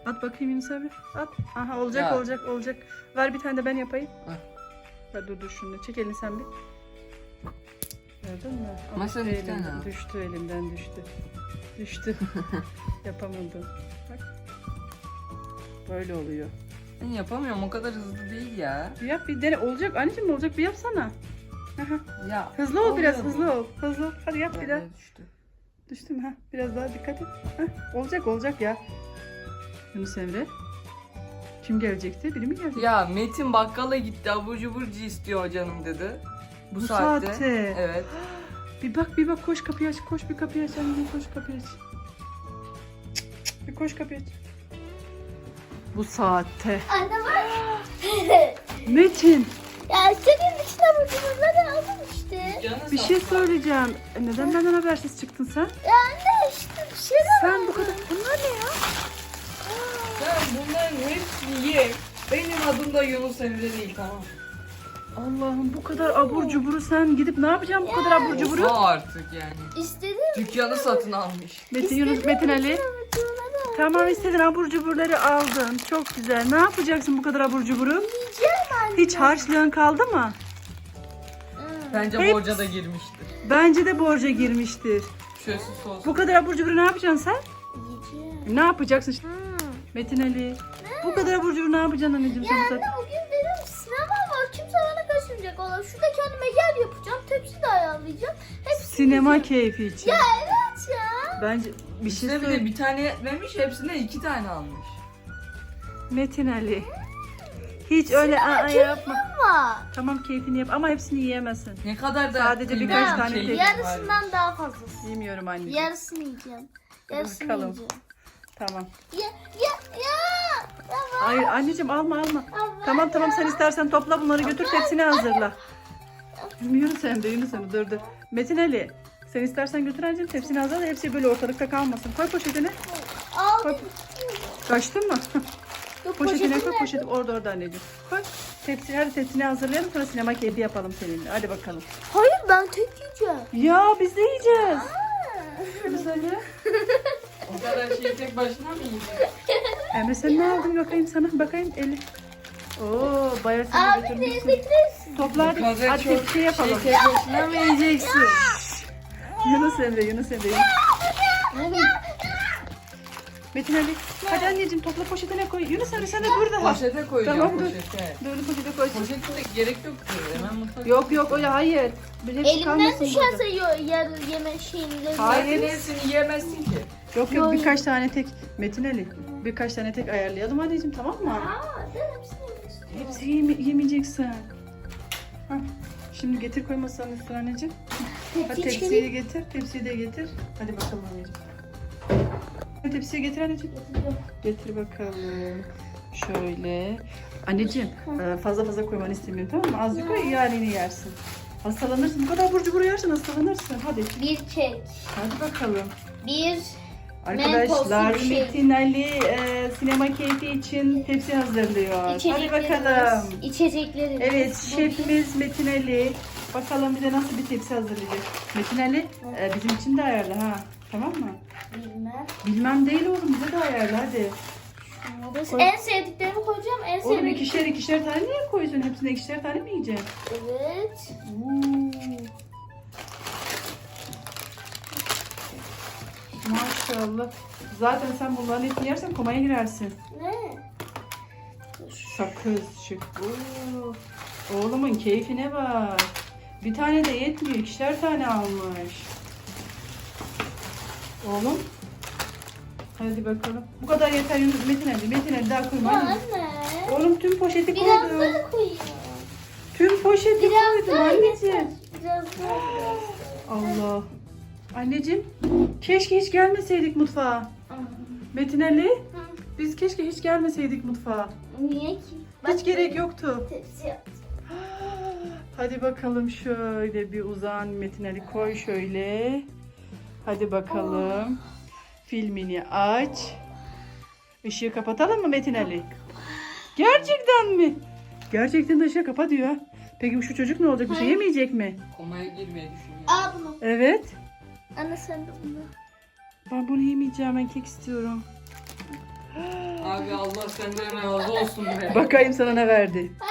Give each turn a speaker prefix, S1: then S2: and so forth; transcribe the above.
S1: At bakayım Yunus abi. At. Aha olacak
S2: Ya.
S1: olacak. Ver bir tane de ben yapayım.
S2: Heh.
S1: Ver dur şunu. Çek elini sen bir. Gördün mü?
S2: Ama sen
S1: düştü
S2: iki tane
S1: elimden,
S2: al.
S1: düştü elimden düştü. Düştü. Yapamadım. Bak. Böyle oluyor.
S2: Ben yapamıyorum, o kadar hızlı değil ya.
S1: Bir yap bir dene. Olacak anneciğim olacak bir yapsana. Aha.
S2: Ya
S1: Hızlı ol
S2: oluyor
S1: biraz
S2: mu?
S1: hızlı ol. Hızlı ol. Hadi yap bir daha.
S2: Böyle düştü.
S1: Düştü mü? Ha, biraz daha dikkat et. Heh, olacak ya. Yunus Emre. Kim gelecekti? Biri mi gelecekti?
S2: Ya Metin bakkala gitti, abur cuburcu istiyor canım dedi. Bu saatte. Evet.
S1: Bir bak koş kapıyı aç. Koş bir kapıyı aç. Anneciğim koş kapıyı aç. Bir koş kapıyı aç. Bu saatte.
S3: Anne var.
S1: Metin
S3: Ya senin içine vurduğumuzda aldım işte.
S2: Canı
S1: bir şey söyleyeceğim. Neden benden habersiz çıktın sen?
S3: Ya anne işte bir şey de
S1: Sen bu kadar... Bunlar ne ya?
S2: Sen bunların hepsini ye. Benim adım da Yunus Emre değil, tamam.
S1: Allah'ım bu kadar abur cuburu sen gidip ne yapacaksın bu kadar abur cuburu?
S2: O artık yani.
S3: İstedim.
S2: Dükkanı satın almış.
S1: Metin Yunus Metin Ali. Tamam istedin abur cuburları aldın. Çok güzel. Ne yapacaksın bu kadar abur cuburu?
S3: Yiyeceğim anne.
S1: Hiç harçlığın kaldı mı?
S2: Bence
S1: Hepsi-
S2: borca da girmiştir.
S1: Bence de borca girmiştir.
S2: Şöyle sos.
S1: Bu kadar abur cuburu ne yapacaksın sen?
S3: Yiyeceğim.
S1: Ne yapacaksın? Metin Ali. Bu kadar abur cuburu ne yapacaksın anneciğim sen bu
S3: Anne
S1: saat?
S3: bugün benim sinema var. Kimse bana kaçırmayacak. Valla şurada kendime yer yapacağım. Tepsi de ayarlayacağım. Hepsini
S1: Sinema
S3: yiyeceğim.
S1: keyfi için.
S3: Ya evet ya.
S1: Bence bir şey
S2: İşte bir de
S1: söyle.
S2: bir tane yetmemiş, hepsine 2 tane almış.
S1: Metin Ali. Hiç öyle yapma.
S3: Ama
S1: Tamam keyfini yap ama hepsini yiyemezsin.
S2: Ne kadar da
S1: Sadece
S2: kıymetli
S1: birkaç
S2: bir
S1: tane
S2: şey
S1: tek.
S2: var.
S3: yarısından daha fazlası.
S1: Yemiyorum anneciğim.
S3: Yarısını yiyeceğim. Yarısını
S1: Bakalım.
S3: yiyeceğim.
S1: Tamam.
S3: Ya. Tamam.
S1: Hayır anneciğim alma.
S3: Ama
S1: Tamam sen istersen topla bunları götür tepsini hazırla. Yunus Emre dur. Metin Ali sen istersen götür anneciğim tepsini hazırla hepsi böyle ortalıkta kalmasın. Koy poşetine.
S3: Al.
S1: Koy. Kaçtın mı?
S3: Yok,
S1: Poşetine koy
S3: poşetim
S1: poşeti orada anneciğim. Koy. Hadi tepsini hazırlayalım sonra sinema keyfi yapalım seninle. Hadi bakalım.
S3: Hayır ben tek yiyeceğim.
S1: Ya biz de yiyeceğiz. Yunus Emre.
S2: O kadar şeyi tek başına mı yiyecek?
S1: Emre sen ne aldın bakayım sana bakayım eli. Oo bayağı sen de
S3: Abi
S1: götürmüşsün.
S3: teyze
S1: Topla hadi.
S2: Bu kadar
S1: Hadi
S2: çok
S1: tepsi yapalım.
S2: Şey tek başına mı yiyeceksin?
S1: Yunus Emre. Oğlum. Metin Ali. Hadi anneciğim topla poşetine koy. Yunus Emre sen de burada.
S2: Poşete koyacağım,
S1: Tamam, dur.
S2: poşete.
S1: Böyle poşete koy.
S2: Poşete de gerek yok ki. Hemen mutfak.
S1: Yok öyle hayır. Bir hepsi
S3: elimden
S1: kalmasın
S3: düşerse
S1: burada.
S3: yarı yeme şeyinde.
S1: Hayır.
S2: Hepsini yiyemezsin ki.
S1: Yok birkaç tane tek. Metin Ali. Birkaç tane tek ayarlayalım anneciğim tamam mı?
S3: Aa, ben hepsini yemek istiyorum.
S1: Hepsi yemeyeceksin. Hah. Şimdi getir koy masanın üstüne anneciğim. Hadi
S3: Tepsi
S1: tepsiyi getir. Tepsiyi de getir. Hadi bakalım anneciğim. Hadi tepsiyi getir anneciğim. Getir bakalım. Şöyle. Anneciğim fazla koymanı istemiyorum tamam mı? Azıcık koy yani yersin. Hastalanırsın. Bu kadar abur cubur yersin hastalanırsın. Hadi.
S3: Bir kek.
S1: Hadi bakalım.
S3: Bir
S1: Arkadaşlar
S3: Mentoslu bir şey.
S1: Metin Ali sinema keyfi için tepsi hazırlıyor. Hadi
S3: içeceklerimiz.
S1: bakalım.
S3: İçeceklerimiz.
S1: Evet
S3: Bu
S1: şefimiz Metin Ali. Bakalım bize nasıl bir tepsi hazırlayacak. Metin Ali bizim için de ayarla ha. Tamam mı?
S3: Bilmem.
S1: Bilmem değil oğlum bize de ayarla hadi. Koy.
S3: En sevdiklerimi koyacağım. En
S1: Oğlum
S3: sevdiklerimi.
S1: ikişer tane niye koyuyorsun? Hepsine ikişer tane mi yiyeceksin?
S3: Evet.
S1: Maşallah. Zaten sen bunların hepsini yersen komaya girersin.
S3: Ne?
S1: Sakız çık. Oğlumun keyfine bak. Bir tane de yetmiyor. İkişer tane almış. Oğlum. Hadi bakalım. Bu kadar yeter Yunus. Metin Ali daha koyma.
S3: Ya
S1: hadi.
S3: anne.
S1: Oğlum tüm poşeti
S3: Biraz
S1: koydum.
S3: daha koyayım.
S1: Tüm poşeti
S3: Biraz
S1: koydum
S3: daha
S1: anneciğim.
S3: yeter. Biraz daha.
S1: Allah. Anneciğim keşke hiç gelmeseydik mutfağa. Metin Ali biz keşke hiç gelmeseydik mutfağa.
S3: Niye ki?
S1: Hiç gerek yoktu.
S3: Tepsi yaptım.
S1: Hadi bakalım şöyle bir uzan Metin Ali koy şöyle. Hadi bakalım. Filmini aç. Işığı kapatalım mı Metin Ali? Gerçekten mi? Gerçekten de ışığı kapa diyor. Peki şu çocuk ne olacak? Bir şey yemeyecek mi?
S2: Komaya girmeyi düşünüyorum.
S3: Al bunu.
S1: Evet.
S3: Anne sen de bunu.
S1: Ben bunu yemeyeceğim. Ben kek istiyorum.
S2: Abi Allah senden razı olsun be.
S1: Bakayım sana ne verdi.